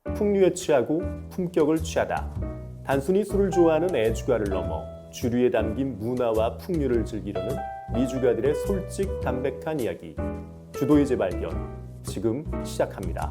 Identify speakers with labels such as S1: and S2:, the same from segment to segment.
S1: 풍류에 취하고 품격을 취하다. 단순히 술을 좋아하는 애주가를 넘어 주류에 담긴 문화와 풍류를 즐기려는 미주가들의 솔직 담백한 이야기. 주도의 재발견. 지금 시작합니다.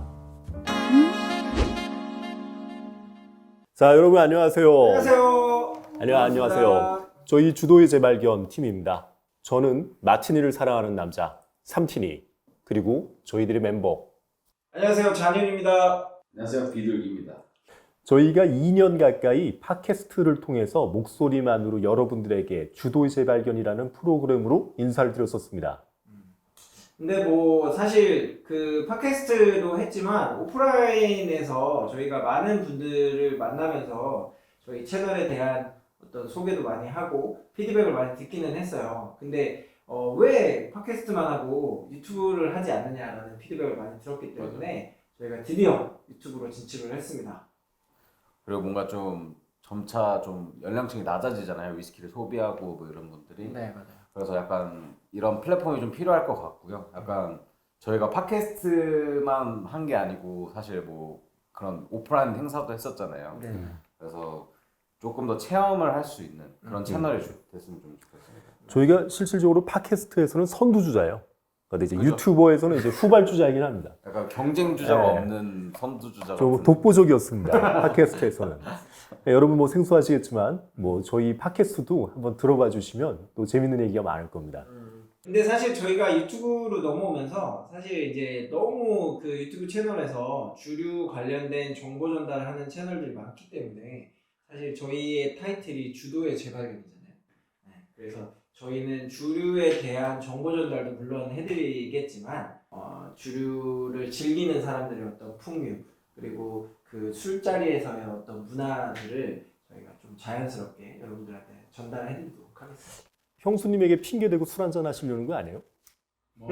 S1: 자, 여러분 안녕하세요.
S2: 안녕하세요.
S1: 안녕하세요. 저희 주도의 재발견 팀입니다. 저는 마티니를 사랑하는 남자 삼티니, 그리고 저희들의 멤버.
S2: 안녕하세요. 잔윤입니다.
S3: 안녕하세요. 비둘기입니다.
S1: 저희가 2년 가까이 팟캐스트를 통해서 목소리만으로 여러분들에게 주도의 재발견이라는 프로그램으로 인사를 드렸었습니다.
S2: 근데 뭐 사실 그 팟캐스트도 했지만 오프라인에서 저희가 많은 분들을 만나면서 저희 채널에 대한 어떤 소개도 많이 하고 피드백을 많이 듣기는 했어요. 근데 왜 팟캐스트만 하고 유튜브를 하지 않느냐라는 피드백을 많이 들었기 때문에 저희가 드디어 유튜브로 진출을 했습니다.
S3: 그리고 뭔가 좀 점차 좀 연령층이 낮아지잖아요. 위스키를 소비하고 뭐 이런 분들이.
S2: 네, 맞아요.
S3: 그래서 약간 이런 플랫폼이 좀 필요할 것 같고요. 약간 저희가 팟캐스트만 한 게 아니고 사실 뭐 그런 오프라인 행사도 했었잖아요.
S2: 네.
S3: 그래서 조금 더 체험을 할 수 있는 그런 채널이 됐으면 좀 좋겠습니다.
S1: 저희가 실질적으로 팟캐스트에서는 선두주자예요. 근데 이제
S3: 그렇죠.
S1: 유튜버에서는 이제 후발주자이긴 합니다.
S3: 약간 경쟁 주자가
S1: 네.
S3: 없는 선두주자
S1: 좀
S3: 같은.
S1: 독보적이었습니다. 팟캐스트에서는. 네, 여러분 뭐 생소하시겠지만 뭐 저희 팟캐스트도 한번 들어봐 주시면 또 재밌는 얘기가 많을 겁니다.
S2: 근데 사실 저희가 유튜브로 넘어오면서 사실 이제 너무 그 유튜브 채널에서 주류 관련된 정보 전달을 하는 채널들이 많기 때문에 사실 저희의 타이틀이 주도의 재발견이잖아요. 네, 그래서 저희는 주류에 대한 정보 전달도 물론 해드리겠지만 주류를 즐기는 사람들의 어떤 풍류 그리고 그 술자리에서의 어떤 문화들을 저희가 좀 자연스럽게 여러분들한테 전달해드리도록 하겠습니다.
S1: 형수님에게 핑계 대고 술 한잔 하시려는 거 아니에요?
S2: 뭐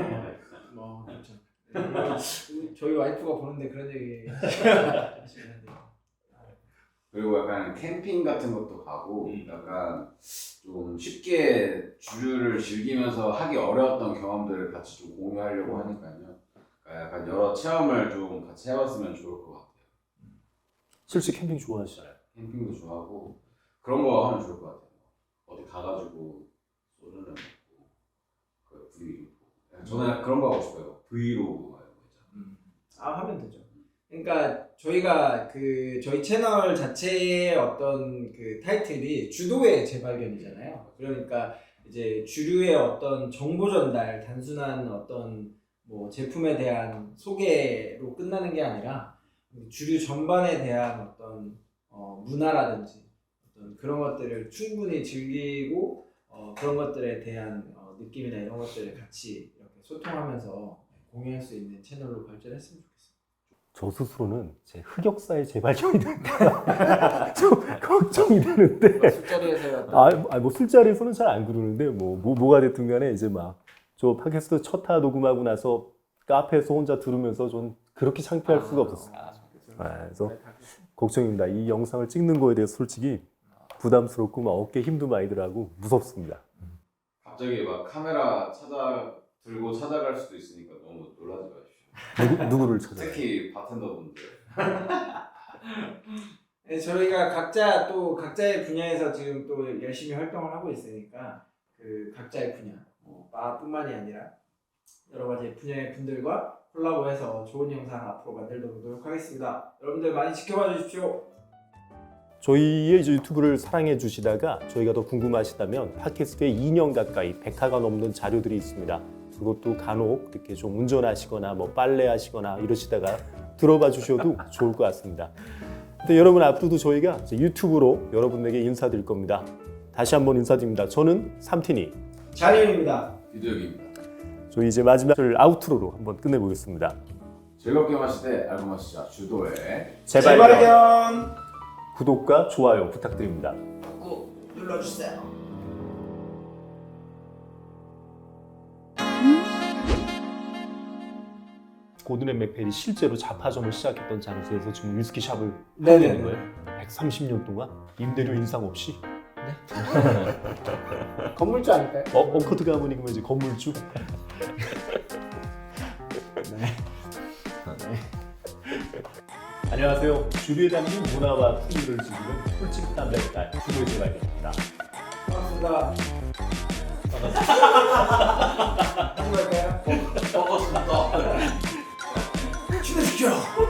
S2: 그렇죠. 저희 와이프가 보는데 그런 얘기 하시면 안 돼요.
S3: 그리고 약간 캠핑 같은 것도 가고 약간 좀 쉽게 주류를 즐기면서 하기 어려웠던 경험들을 같이 좀 공유하려고 하니까요. 그러니까 약간 여러 체험을 좀 같이 해봤으면 좋을 것 같아요.
S1: 실제 캠핑 좋아하시잖아요.
S3: 캠핑도 좋아하고 그런 거 하면 좋을 것 같아요. 어디 가가지고 소주를 먹고 그 분위기 좋고. 저는 그런 거 하고 싶어요. 브이로그 이런 거 있잖아요.
S2: 하면 되죠. 그러니까 저희가 그 저희 채널 자체의 어떤 그 타이틀이 주도의 재발견이잖아요. 그러니까 이제 주류의 어떤 정보 전달, 단순한 어떤 뭐 제품에 대한 소개로 끝나는 게 아니라 주류 전반에 대한 어떤 문화라든지 어떤 그런 것들을 충분히 즐기고 그런 것들에 대한 느낌이나 이런 것들을 같이 이렇게 소통하면서 공유할 수 있는 채널로 발전했으면 좋겠습니다.
S1: 저 스스로는 제 흑역사의 재발견이 될까 좀 걱정이 되는데.
S2: 술자리에서
S1: 뭐 술자리에서는 잘 안 그러는데 뭐가 됐든 간에 이제 막 저 팟캐스트 첫 화 녹음하고 나서 카페에서 혼자 들으면서 좀 그렇게 창피할 수가 없었어요. 그래서 걱정입니다. 이 영상을 찍는 거에 대해서 솔직히 부담스럽고 막 어깨 힘도 많이 들하고 무섭습니다.
S3: 갑자기 막 카메라 들고 찾아갈 수도 있으니까 너무 놀라지 마십시오.
S1: 누구를 찾아요?
S3: 특히 바텐더분들.
S2: 네, 저희가 각자의 분야에서 지금 또 열심히 활동을 하고 있으니까 그 각자의 분야, 바뿐만이 아니라 여러 가지 분야의 분들과 콜라보해서 좋은 영상 앞으로 만들도록 노력하겠습니다. 여러분들 많이 지켜봐 주십시오.
S1: 저희의 이제 유튜브를 사랑해 주시다가 저희가 더 궁금하시다면 팟캐스트에 2년 가까이 100화가 넘는 자료들이 있습니다. 그것도 간혹 이렇게 좀 운전하시거나 뭐 빨래하시거나 이러시다가 들어봐 주셔도 좋을 것 같습니다. 근데 여러분 앞으로도 저희가 이제 유튜브로 여러분에게 인사드릴 겁니다. 다시 한번 인사드립니다. 저는 삼티니,
S2: 잔윤입니다.
S3: 비둘기입니다.
S1: 저희 이제 마지막을 아우트로로 한번 끝내보겠습니다.
S3: 즐겁게 마시되 알고 마시자 주도의
S2: 재발견
S1: 구독과 좋아요 부탁드립니다.
S2: 꾹 눌러주세요.
S1: 고든 맥펠이 실제로 자파점을 시작했던 장소에서 지금 위스키 샵을 하고
S2: 네네.
S1: 있는 거예요. 130년 동안 임대료 인상 없이.
S2: 건물주 아닐까요?
S1: 엉커트 가문이 그러면 이제 건물주.
S2: 네.
S1: 안녕하세요. 주류에 담긴 문화와 풍류를 즐기는 꿀집 담백달 주류의 재발견입니다.
S2: 반갑습니다.
S1: 반갑습니다.
S2: 누구 할까요?
S3: 먹었습니다.
S2: 친해지죠.